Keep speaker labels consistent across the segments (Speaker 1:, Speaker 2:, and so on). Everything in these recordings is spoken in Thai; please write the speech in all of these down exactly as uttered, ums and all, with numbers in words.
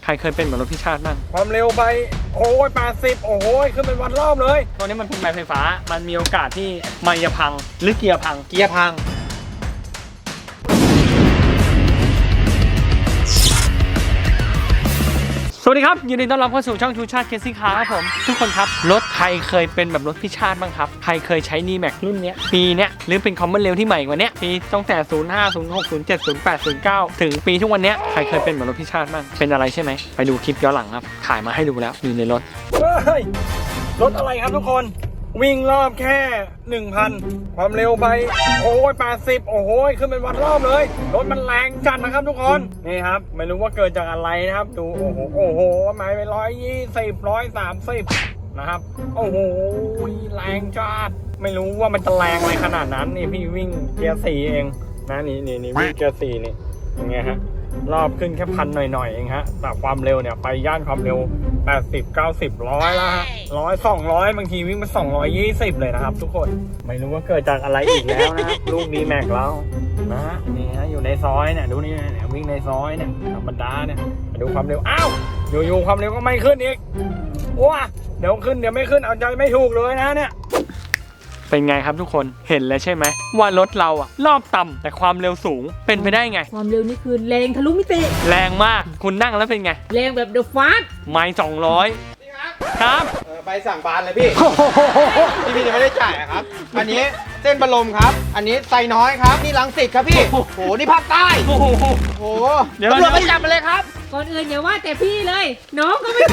Speaker 1: ใครเคยเป็นเหมือนรถพี่ชาติบ้าง
Speaker 2: ความเร็วไปโอ้ยแปดสิบโอ้ยขึ้นเป็นวันรอบเลย
Speaker 1: ตัวนี้มันเป็นไม้ไฟฟ้ามันมีโอกาสที่ไมค์จะพังหรือเกียร์พัง
Speaker 2: เกียร์พัง
Speaker 1: สวัสดีครับยินดีต้อนรับเข้าสู่ช่องชูชาติเคสซี่คาร์ครับผมทุกคนครับรถใครเคยเป็นแบบรถพี่ชาติบ้างครับใครเคยใช้ นี แม็ก รุ่นเนี้ยปีเนี้ยหรือเป็นคอมมอนเรลที่ใหม่กว่านี้ปีตั้งแต่ศูนย์ห้า ศูนย์หก ศูนย์เจ็ด ศูนย์แปด ศูนย์เก้าถึงปีทุกวันเนี้ยใครเคยเป็นแบบรถพี่ชาติบ้างเป็นอะไรใช่ไหมไปดูคลิปย้อนหลังครับถ่ายมาให้ดูแล้วอยู่ในรถ
Speaker 2: เฮ้ยรถอะไรครับทุกคนวิ่งรอบแค่ หนึ่งพัน ความเร็วไปโอ้ยแปดสิบโอ้ยขึ้นเป็นวันรอบเลยรถมันแรงจัดนะครับทุกคนนี่ครับไม่รู้ว่าเกิดจากอะไรนะครับดูโอ้โหโอ้โหหมายไปร้อยยี่สิบร้อยสามสิบนะครับโอ้โหแรงจัดไม่รู้ว่ามันจะแรงอะไรขนาดนั้นนี่พี่วิ่งเกียร์สี่เองนะนี่นี่นี่วิ่งเกียร์สี่นี่ยังไงฮะรอบขึ้นแค่พันหน่อยๆเองฮะแต่ความเร็วเนี่ยไปย่านความเร็วแปดสิบ เก้าสิบ ร้อยแล้วฮะร้อย สองร้อยบางทีวิ่งมาสองร้อยยี่สิบเลยนะครับทุกคนไม่รู้ว่าเกิดจากอะไรอีกแล้วนะลูก นี แม็ก แล้วนะนี่ฮะอยู่ในซอยเนี่ยดูนี่เนี่ยวิ่งในซอยเนี่ยธรรมดาเนี่ยมาดูความเร็วอ้าวอยู่ๆความเร็วก็ไม่ขึ้นอีกว้าเดี๋ยวขึ้นเดี๋ยวไม่ขึ้นเอาใจไม่ถูกเลยนะเนี่ย
Speaker 1: เป็นไงครับทุกคนเห็นแล้วใช่ไหมว่ารถเราอะรอบต่ำแต่ความเร็วสูงเป็นไปได้ไง
Speaker 3: ความเร็วนี่คือแรงทะลุมิติ
Speaker 1: แรงมากคุณนั่งแล้วเป็นไง
Speaker 3: แรงแบบเดอะฟาสต์
Speaker 1: ไมล์สองร้อยครับ
Speaker 4: ไปสั่งบานเลยพี่พี่พี่ยังไม่ได้จ่ายครับอันนี้เส้นบรมครับอันนี้ไซน้อยครับนี่รังสิตครับพี่โอ้โหนี่ภาคใต้โอ้โหเดี๋ยวตำรวจไปจับมาเลยครับ
Speaker 3: ก่อนอื่นอย่าว่าแต่พี่เลยน้องก็ไม่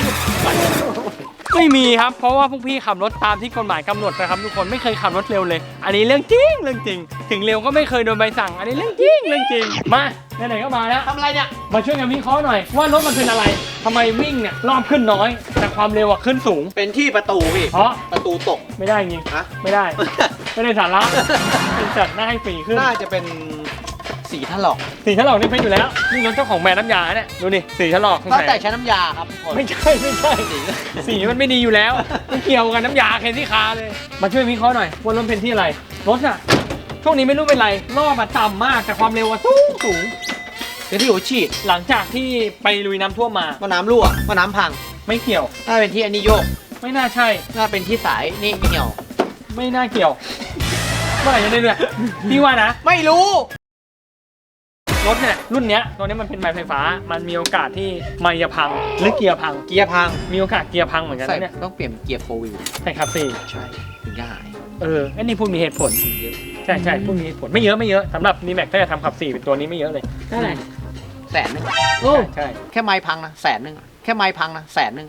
Speaker 1: ไม่มีครับเพราะว่าพวกพี่ขับรถตามที่กฎหมายกำหนดนะครับทุกคนไม่เคยขับรถเร็วเลยอันนี้เรื่องจริงเรื่องจริงถึงเร็วก็ไม่เคยโดนใบสั่งอันนี้เรื่องจริงเรื่องจริงมาไหนๆก็มาแล้ว
Speaker 4: ทำอะไรเนี่ย
Speaker 1: มาช่วยกันวิเคราะห์หน่อยว่ารถมันเป็นอะไรทำไมวิ่งเนี่ยรอบขึ้นน้อยแต่ความเร็วอะขึ้นสูง
Speaker 4: เป็นที่ประตูพี่
Speaker 1: เพราะ
Speaker 4: ประตูตก
Speaker 1: ไม่ได้จริงฮะไม่ได้ไม่ได้สาระเป็นจัดหน้าให้ฝีขึ้น
Speaker 4: น่าจะเป็นสีถลอก
Speaker 1: สีถลอกนี่เป็นอยู่แล้วนี่รถเจ้าของแบรนด์น้ำยาเนี่ยดูดิสีถลอก
Speaker 4: ตั้งแต่ใช้น้ำยาครับ
Speaker 1: ไม่ใช่ไม่ใช่สีมันไม่ดีอยู่แล้วไม่เกี่ยวกันน้ำยาเคนที่คาเลยมาช่วยวิเคราะห์หน่อยว่ารถเป็นที่อะไรรถอะช่วงนี้ไม่รู้เป็นไรรอบอะต่ำมากแต่ความเร็วอะสูงสูง
Speaker 4: เป็นที่หัวฉีด
Speaker 1: หลังจากที่ไปลุยน้ำท่วมมา
Speaker 4: ว่าน้ำรั่วว่าน้ำพัง
Speaker 1: ไม่เกี่ยว
Speaker 4: น่าเป็นที่อันนี้โยก
Speaker 1: ไม่น่าใช่
Speaker 4: น่าเป็นที่สายนี่เหี่ยว
Speaker 1: ไม่น่าเกี่ยวเมื่อไหร่จะได้เลยพี่ว่านะ
Speaker 4: ไม่รู้
Speaker 1: รถเนี่ยรุ่นเนี้ยตัวนี้มันเป็นไม้ไฟฟ้ามันมีโอกาสที่ไมค์จะพังหรือเกียร์พัง
Speaker 4: เกียร์พัง
Speaker 1: มีโอกาสเกียร์พังเหมือนกันเนี่ย
Speaker 4: ต้องเปลี่ยนเกียร์โฟร์วิล
Speaker 1: ใช่ครับสี่
Speaker 4: ใช่ถึงจะหาย
Speaker 1: เอออันนี้พูดมีเหตุผลเยอะใช่ใช่พูดมีเหตุผลไม่เยอะไม่เยอะสำหรับนีแม็กถ้าจะทำขับสี่เป็นตัวนี้ไม่เยอะเลย
Speaker 3: เท่าไหร่
Speaker 4: แสนนึง
Speaker 1: โอ้ใช่
Speaker 4: แค่ไม้พังนะแสนนึงแค่ไม้พังนะแสนนึง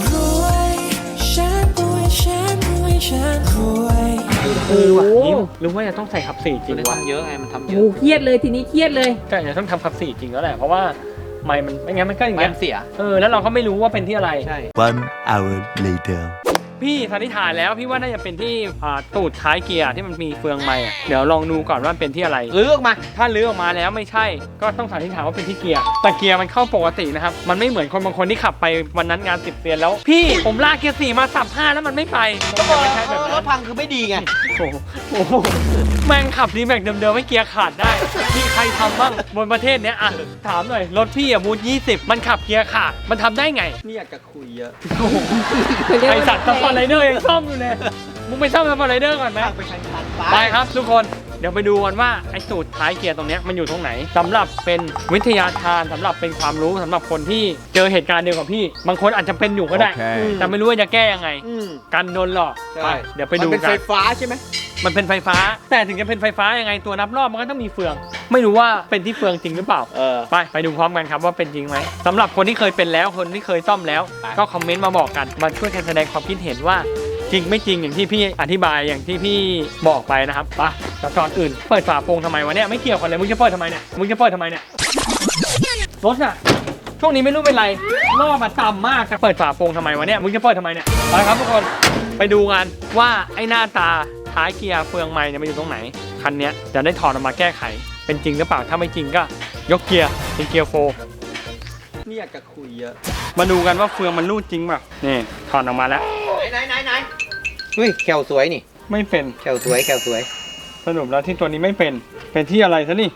Speaker 1: เออว่ะยิ้มหรือว่าจะต้องใส่ขับสี่จริงวะ
Speaker 4: เยอะไงมันทำเยอะ
Speaker 3: โอ้เครียดเลยทีนี้เครียดเลย
Speaker 1: แต่จะต้องทำขับสี่จริงแล้วแหละเพราะว่าไมค์มันไม่งั้นมันก็อย่างเงี้ย
Speaker 4: เสีย
Speaker 1: เออแล้วเราก็ไม่รู้ว่าเป็นที่อะไร
Speaker 4: ใช่
Speaker 5: One hour later
Speaker 1: พี่สันนิษฐานแล้วพี่ว่าน่าจะเป็นที่ตูดท้ายเกียร์ที่มันมีเฟืองไมค์เดี๋ยวลองดูก่อนว่าเป็นที่อะไร
Speaker 4: ลื้อออกมา
Speaker 1: ถ้าลื้อออกมาแล้วไม่ใช่ก็ต้องสันนิษฐานว่าเป็นที่เกียร์แต่เกียร์มันเข้าปกตินะครับมันไม่เหมือนคนบางคนที่ขับไปวันนั้นงานสิบเดือนแล้วพี่ผมลากเกียร์สี่มาสับห้าแล้วมันไม่ไป
Speaker 4: ก็บอกรถพังคือไม่ดีไง
Speaker 1: โอ้โหแม่งขับดีแม็กเดิมๆให้เกียร์ขาดได้มีใครทำบ้างบนประเทศเนี้ยอ่ะถามหน่อยรถพี่อะบูทยี่สิบมันขับเกียร์ขาดมันทำได้ไง
Speaker 4: นี่อยากจะคุยเยอะ
Speaker 1: ไอสัตว์สปอร์ตไรเดอร์ยังซ่อมอยู่เลยมึงไปซ่อมสปอร์ตไรเดอร์ก่อนไหมไปครับทุกคนเดี๋ยวไปดูกันว่าไอ้สูตรท้ายเกียร์ตรงนี้มันอยู่ตรงไหนสำหรับเป็นวิทยาทานสำหรับเป็นความรู้สำหรับคนที่เจอเหตุการณ์เดียวกับพี่บางคนอาจจะเป็นอยู่ก็ได้ okay. แต่ไม่รู้ว่าจะแก้ยังไงกันโดนหลอกไปเดี๋ยวไปดูกัน
Speaker 4: มันเป็นไฟฟ้าใช่ไหม
Speaker 1: มันเป็นไฟฟ้าแต่ถึงจะเป็นไฟฟ้ายังไงตัวนับรอบมันก็ต้องมีเฟืองไม่รู้ว่าเป็นที่เฟืองจริงหรือเปล่าไปไปดูพร้อมกันครับว่าเป็นจริงไหมสำหรับคนที่เคยเป็นแล้วคนที่เคยซ่อมแล้วก็คอมเมนต์มาบอกกันมาช่วยกันแสดงความคิดเห็นว่าจริงไม่จริงอย่างที่พี่อธิบายอย่างที่พี่บอกไปนะครับไปแต่ก่อนอื่นเปิดฝาโปร่งทำไมวะเนี่ยไม่เกี่ยวกันเลยมึงจะเปิดทำไมเนี่ยมึงจะเปิดทำไมเนี่ยรถอะช่วงนี้ไม่รู้เป็นไรรอบมันต่ำมากจะเปิดฝาโปร่งทำไมวะเนี่ยมึงจะเปิดทำไมเนี่ยไปครับทุกคนไปดูกันว่าไอ้หน้าตาท้ายเกียร์เฟืองไม้เนี่ยมันอยู่ตรงไหนคันนี้จะได้ถอดออกมาแก้ไขเป็นจริงหรือเปล่าถ้าไม่จริงก็ยกเกียร์เป็นเกียร์โฟร์
Speaker 4: นี่อยากจะคุยเยอะ
Speaker 1: มาดูกันว่าเฟืองมันรูดจริงป่ะนี่ถอดออกมาแล้ว
Speaker 4: ไหนไหนไหนเฮ้ยแขวสวยนี่
Speaker 1: ไม่เป็น
Speaker 4: แขวสวยแขวสวย
Speaker 1: สรุปแล้วที่ตัวนี้ไม่เป็นเป็นที่อะไรซะนี่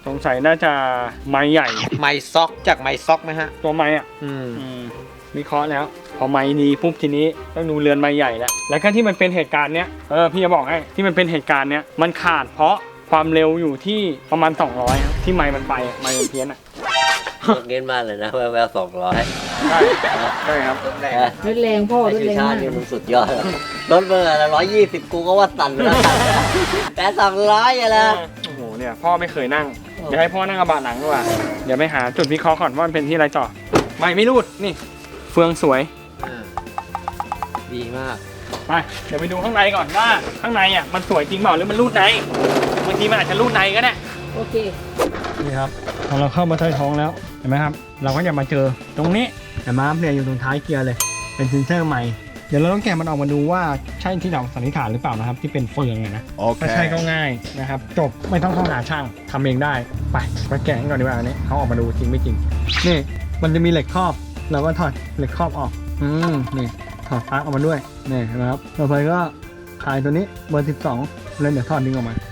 Speaker 1: สงสัยน่าจะไม้ใหญ่
Speaker 4: ไม้ซอกจากไม้ซอกไหมฮะ
Speaker 1: ตัวไม้อ่ะ
Speaker 4: อืม
Speaker 1: อืมวิเคราะห์แล้ว พอไม้นี้ปุ๊บทีนี้ต้องดูเรือนไม้ใหญ่แล้วแล้วก็ที่มันเป็นเหตุการณ์เนี้ยเออพี่จะบอกให้ที่มันเป็นเหตุการณ์เนี้ยมันขาดเพราะความเร็วอยู่ที่ประมาณสองร้อยครับที่ไม้มันไปอะไม้มันเพี้ยนอ่ะ
Speaker 6: เงินมากเลยนะแววๆสองร้อย
Speaker 1: ใช่ใช่ครับ
Speaker 3: รถแรงพ่อ
Speaker 6: ไอ้
Speaker 3: รถ
Speaker 6: ชู
Speaker 3: แรง
Speaker 6: ชา
Speaker 3: มา
Speaker 6: ติ
Speaker 3: ก
Speaker 6: นี่มึงสุดยอดแล้วรถเบอร์ละร้อยยี่สิบกูก็ว่าสั่นแล้วแต่สองร้อยอะนะ
Speaker 1: โอ้โหเนี่ยพ่อไม่เคยนั่งเดี๋ยวให้พ่อนั่งกระบะหลังดีกว่าเดี๋ยวไปหาจุดวิเคราะห์ก่อนว่ามันเป็นที่อะไรต่อไม่ไม่รูดนี่เฟืองสวย
Speaker 6: ดีมาก
Speaker 1: ไปเดี๋ยวไปดูข้างในก่อนว่าข้างในอ่ะมันสวยจริงเปล่าหรือมันรูดในบางทีมันอาจจะรูดในก็ได้
Speaker 3: โอเค
Speaker 1: นี่ครับพอเราเข้ามาใต้ท้องแล้วเห็นไหมครับ เราก็จะมาเจอตรงนี้เห็นไหมครับเนี่ยอยู่ตรงท้ายเกียร์เลย เป็นเซนเซอร์ใหม่เดี๋ยวเราต้องแกะมันออกมาดูว่าใช่ที่เราสันนิษฐานหรือเปล่านะครับที่เป็นเฟืองอะนะถ้าใช่ก็ง่ายนะครับจบไม่ต้องเข้าหาช่างทำเองได้ไปไปแกะกันก่อนดีกว่าอันนี้เขาออกมาดูจริงไม่จริงนี่มันจะมีเหล็กครอบเราก็ถอดเหล็กครอบออกอืมนี่ถอดปลั๊กออกมาด้วยนี่เห็นะครับต่อไปก็คลายตัวนี้เบอร์สิบสองแล้วเดี๋ยวถอดดึงออกมา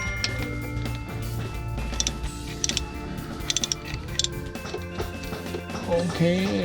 Speaker 1: โอเค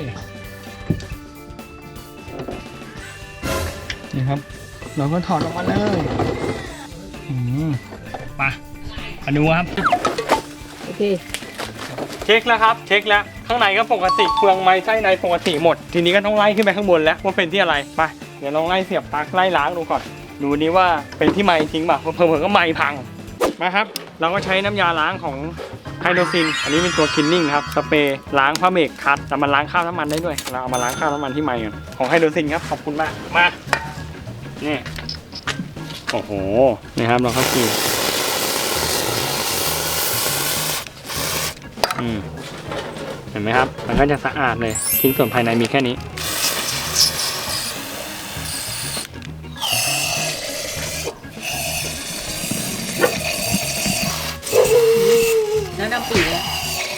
Speaker 1: นี่ครับเราก็ถอดออกมาเลยอืมไปมาดูครับ
Speaker 3: โอเค
Speaker 1: เช็คแล้วครับเช็คแล้วข้างในก็ปกติเฟืองไม้ไส้ในปกติหมด ทีนี้ก็ต้องไล่ขึ้นไปข้างบนแล้วว่าเป็นที่อะไรไปเดี๋ยวลองไล่เสียบปลั๊กไล่ล้างดูก่อนดูนี้ว่าเป็นที่ไม้ทิ้งป่ะเผื่อๆก็ไม้พังมาครับเราก็ใช้น้ำยาล้างของไฮโดรซินอันนี้เป็นตัวคินนิ่งครับสเปรย์ล้างผ้าเมกคัดแต่มันล้างข้าวน้ำมันได้ด้วยเราเอามาล้างข้าวน้ำมันที่ไม้กันของไฮโดรซินครับขอบคุณมากมานี่โอ้โหนี่ครับเราเข้าคิวอืมเห็นไหมครับมันก็จะสะอาดเลยชิ้นส่วนภายในมีแค่นี้
Speaker 3: แล้วดำปีเลย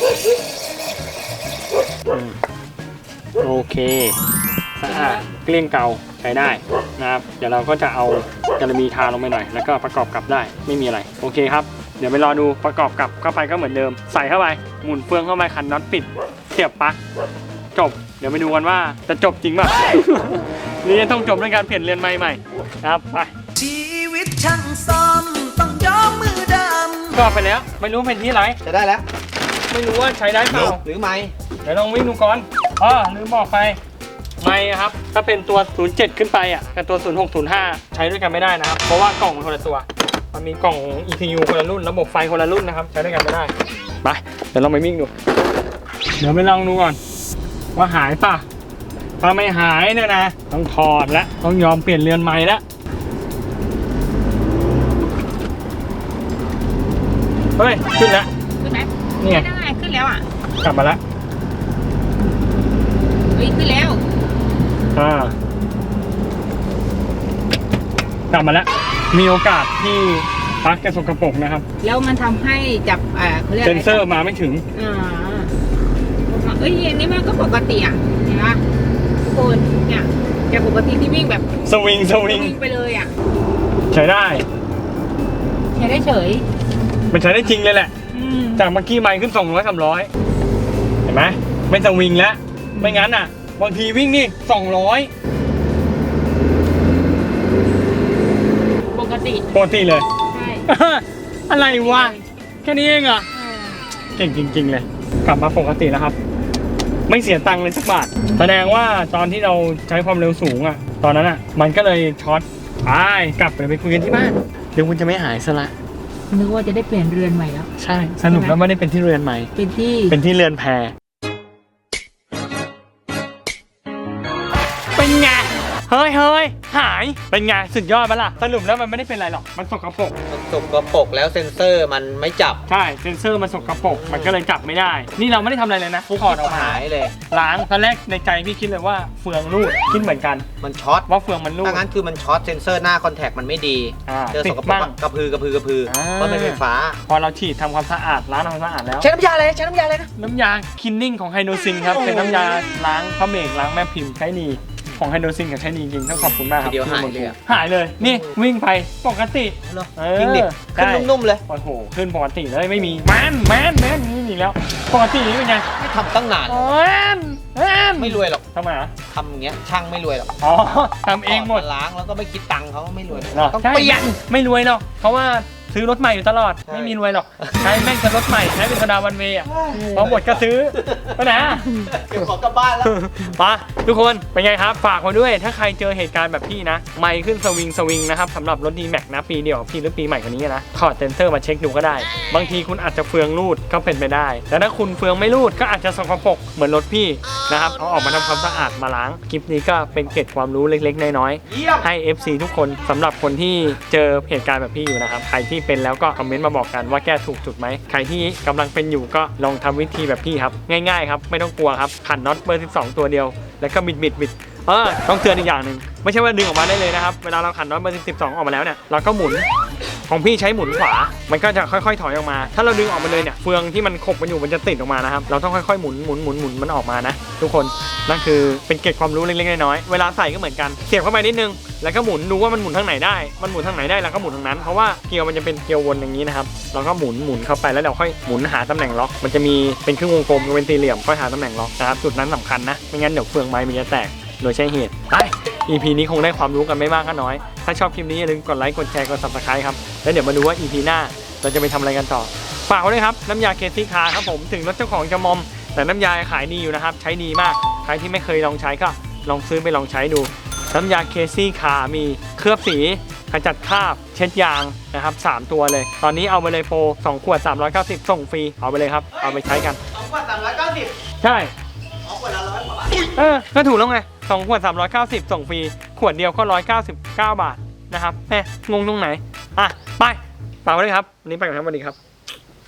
Speaker 1: โอเคสะอาดเกลี้ยงเกาใช้ได้นะครับเดี๋ยวเราก็จะเอาจาระบีทาลงไปหน่อยแล้วก็ประกอบกลับได้ไม่มีอะไรโอเคครับเดี๋ยวไปรอดูประกอบกลับเข้าไปก็เหมือนเดิมใส่เข้าไปหมุนเฟืองเข้าไปคันน็อตปิดเสียบปลั๊กจบเดี๋ยวไปดูกันว่าจะจบจริงป่ะ นี่ต้องจบด้วยการเปลี่ยนเรือนไม้ใหม่นะครับไป
Speaker 7: ชีวิตช่างซ้อมต้องยอมมือดำ
Speaker 1: ก็ไปแล้วไม่รู้เป็นที่ไร
Speaker 4: จะได้แล้ว
Speaker 1: ไม่รู้ว่าใช้ได้เปล่า
Speaker 4: หรือไม่
Speaker 1: เดี๋ยวลองวิ่งดูก่อนอ๋อลืมบอกไปไม่ครับถ้าเป็นตัว ศูนย์เจ็ด ขึ้นไปอ่ะกับตัว ศูนย์หก ศูนย์ห้า ใช้ด้วยกันไม่ได้นะครับ เพราะว่ากล่องมันคนละตัว มันมีกล่อง อี ซี ยู คนละรุ่น ระบบไฟคนละรุ่นนะครับ ใช้ด้วยกันไม่ได้ ไป เดี๋ยวเราไปวิ่งดู เดี๋ยวไปลองดูก่อน ว่าหายป่ะ ถ้าไม่หายเนี่ยนะ ต้องถอดแล้ว ต้องยอมเปลี่ยนเรือนใหม่แล้ว เฮ้ย ขึ้นแล้ว
Speaker 3: ขึ้นไหม
Speaker 1: นี่ไง
Speaker 3: ได้ขึ้นแล้วอ่ะ
Speaker 1: กลับมาแล้ว
Speaker 3: เฮ้ยขึ้นแล้ว
Speaker 1: อ่ากลับมาแล้ว มีโอกาสที่ปลั๊กจะสกปรกนะครับ
Speaker 3: แล้วมันทำให้จับอ่าเขาเรียก
Speaker 1: เซ
Speaker 3: อะไร
Speaker 1: นเซอร์มาไม่ถึง
Speaker 3: อ่าเอ้ยอันนี้มันก็ปกติอ่ะเห็นปะทุกคนเนี่ยจากปกติที่วิ่งแบบ
Speaker 1: สวิง สวิง
Speaker 3: วิ่งไปเลยอ่ะ
Speaker 1: ใช้ได้
Speaker 3: ใช้ได้เฉย
Speaker 1: มันใช้ได้จริงเลยแหละ
Speaker 3: อืม
Speaker 1: จากเมื่อกี้ไมค์ขึ้นสองร้อย สามร้อยเห็นไหมไม่สวิงแล้ว ไม่งั้นอ่ะ บางทีวิ่งนี่สองร้อย
Speaker 3: ปกติ
Speaker 1: ปกติเลย
Speaker 3: ใช่
Speaker 1: อะไรวะ แค่นี้เองเหรอ่ะ เก่งจริง ๆ เลย กลับมาปกติแล้วครับ ไม่เสียตังค์เลยสักบาท แสดงว่าตอนที่เราใช้ความเร็วสูงอ่ะ ตอนนั้นอ่ะ มันก็เลยช็อตไปกลับไปคุยกันที่บ้าน เดี๋ยวคุณจะไม่หายซะละ
Speaker 3: นึกว่าจะได้เปลี่ยนเรือนใหม่แล้ว
Speaker 1: ใช่ สนุกแล้วไม่ได้เป็นที่เรือนใหม่
Speaker 3: เป็นที่
Speaker 1: เป็นที่เรือนแพเป็นไง เฮ้ยเฮ้ยหาย เป็นไง สุดยอดปะล่ะ สรุปแล้วมันไม่ได้เป็นไรหรอก มันสกปรก
Speaker 4: มันสกปรกแล้วเซ็นเซอร์มันไม่จับ
Speaker 1: ใช่ เซนเซอร์มันสกปรก มันก็เลยจับไม่ได้ นี่เราไม่ได้ทำอะไรเลยนะถอดออกมา
Speaker 4: หายเลย
Speaker 1: ล้าง ตอนแรกในใจพี่คิดเลยว่าเฟืองรูด คิดเหมือนกัน
Speaker 4: มันช็อต
Speaker 1: ว่าเฟืองมันรูด
Speaker 4: ถ้างั้นคือมันช็อตเซ็นเซอร์หน้าคอนแทคมันไม่ดี
Speaker 1: อ่า
Speaker 4: เจอ
Speaker 1: ติ
Speaker 4: ส
Speaker 1: ด
Speaker 4: กปรก
Speaker 1: บ้าง
Speaker 4: กระพือกระพือกระพือ
Speaker 1: อ่า
Speaker 4: เพราะมันเป็นไฟฟ้า
Speaker 1: พอเราฉีดทำความสะอาด ล้างทำความสะอาดแล้ว
Speaker 4: ใช้น้ำยาอะไรใช้น้ำยาอะไรนะ
Speaker 1: น้ำยาคินนิ่งของไฮโดรซินครับ เป็นน้ำยาล้างพระเมกล้างแม่พิมพ์ใช้ดีของไฮโดรซินกับใช้ดีจริงๆต้องขอบคุณมากครับ
Speaker 4: ทีเดียวหายเลยอะ
Speaker 1: หายเลยนี่วิ่งไปปกติ
Speaker 4: เหรอ
Speaker 1: เออ
Speaker 4: จริงดิขึ้น
Speaker 1: ได้
Speaker 4: นุ่มๆเลย
Speaker 1: โอ้โหขึ้นปกติเลยไม่มีแมนแมนแมนนี่อีกแล้วปกตินี่เป็นไง
Speaker 4: ไม่ทำตั้งนาน
Speaker 1: แมนแมน
Speaker 4: ไม่รวยหรอก
Speaker 1: ทำไมอ่ะ
Speaker 4: ทำอย่างเงี้ยช่างไม่รวยหรอก
Speaker 1: อ๋อทำเองหมด
Speaker 4: ก่นล้างแล้วก็ไม่คิดตังค์เขาไม่รวย
Speaker 1: เหรอ
Speaker 4: ต้อง
Speaker 1: ใช่
Speaker 4: เปลี่ยน
Speaker 1: ไม่รวยหรอกเพราะว่าซื้อรถใหม่อยู่ตลอด
Speaker 4: ใช่
Speaker 1: ไม่มีรวยหรอกใช้แม่งจะรถใหม่ใช้เป็นธนาวันเวย์อ่ะพอหมดก็ซื้อไปไหนอ่ะ
Speaker 4: เก็บของกลับบ้านแล้ว
Speaker 1: มาทุกคนเป็นไงครับฝากไว้ด้วยถ้าใครเจอเหตุการณ์แบบพี่นะไม่ขึ้นสวิงสวิงนะครับสำหรับรถ ดี แม็กซ์ นะปีเดียวพี่หรือปีใหม่กว่านี้นะถอดเซนเซอร์มาเช็คดูก็ได้ บางทีคุณอาจจะเฟืองรูดก็เป็นไปได้แต่ถ้าคุณเฟืองไม่รูดก็อาจจะสกปรกเหมือนรถพี่นะครับเอาออกมาทำความสะอาดมาล้างคลิปนี้ก็เป็นเกร็ดความรู้เล็กๆน้อย
Speaker 4: เยี่ยม
Speaker 1: ๆให้ เอฟ ซี ทุกคนสำหรับคนที่เจอเหตุการณ์แบบพี่อยู่นะครับใครที่เป็นแล้วก็คอมเมนต์มาบอกกันว่าแก้ถูกจุดไหมใครที่กำลังเป็นอยู่ก็ลองทำวิธีแบบพี่ครับง่ายๆครับไม่ต้องกลัวครับขันน็อตเบอร์สิบสองตัวเดียวแล้วก็บิดบิดบิดเออต้องเตือนอีกอย่างหนึ่งไม่ใช่ว่าดึงออกมาได้เลยนะครับเวลาเราขันน็อตเบอร์สิบสองออกมาแล้วเนี่ยเราก็หมุนของพี่ใช้หมุนขวามันก็จะค่อยๆถอยออกมาถ้าเราดึงออกมาเลยเนี่ยเฟืองที่มันขบมันอยู่มันจะติดออกมานะครับเราต้องค่อยๆหมุนหมุนหมุนหมุนมันออกมานะทุกคนนั่นคือเป็นเกร็ดความรู้เล็กๆน้อยๆเวลาใส่ก็เหมือนกันเสียบเข้าไปนิดนึงแล้วก็หมุนดูว่ามันหมุนทางไหนได้มันหมุนทางไหนได้แล้วก็หมุนทางนั้นเพราะว่าเกลียวมันจะเป็นเกลียววนอย่างนี้นะครับเราก็หมุนหมุนเข้าไปแล้วเราค่อยหมุนหาตำแหน่งล็อกมันจะมีเป็นครึ่งวงกลมเป็นสี่เหลี่ยมค่อยหาตำแหน่งล็อกนะครับจุดนั้นสำคัญนะไม่งั้นเดี๋ยวเฟืองไม้มันจะแตกโดยใช่เหตุไป อี พี นี้คงได้ความรู้กันไม่มากก็น้อยถ้าชอบคลิปนี้อย่าลืมกดไลค์กดแชร์กด ซับสไครบ์ ครับแล้วเดี๋ยวมาดูว่า อี พี หน้าเราจะไปทำอะไรกันต่อฝากไว้ด้วยครับน้ำยาเคซี่คาร์ครับผมถึงรถเจ้าของจะมอมแต่น้ำยาขายดีอยู่นะครับใช้ดีมากใครที่ไม่เคยลองใช้ก็ลองซื้อไปลองใช้ดูน้ำยาเคซี่คาร์มีเคลือบสีขจัดคราบเช็ดยางนะครับสามตัวเลยตอนนี้เอาไปเลยโปรสองขวดสามร้อยเก้าสิบส่งฟรีเอาไปเลยครับเอาไปใช้กัน
Speaker 4: สองขวดสามร้อยเก้าสิบ
Speaker 1: ใช่
Speaker 4: สองขวดละร้อยกว่าบาท
Speaker 1: เออก็ถูกแล้วไงสองขวดสามร้อยเก้าสิบส่งฟรีขวดเดียวก็หนึ่งร้อยเก้าสิบเก้าบาทนะครับแหมงงตรงไหนอ่ะไปฝากไว้เลยครับวันนี้ไปกันครับสวัสดีครับ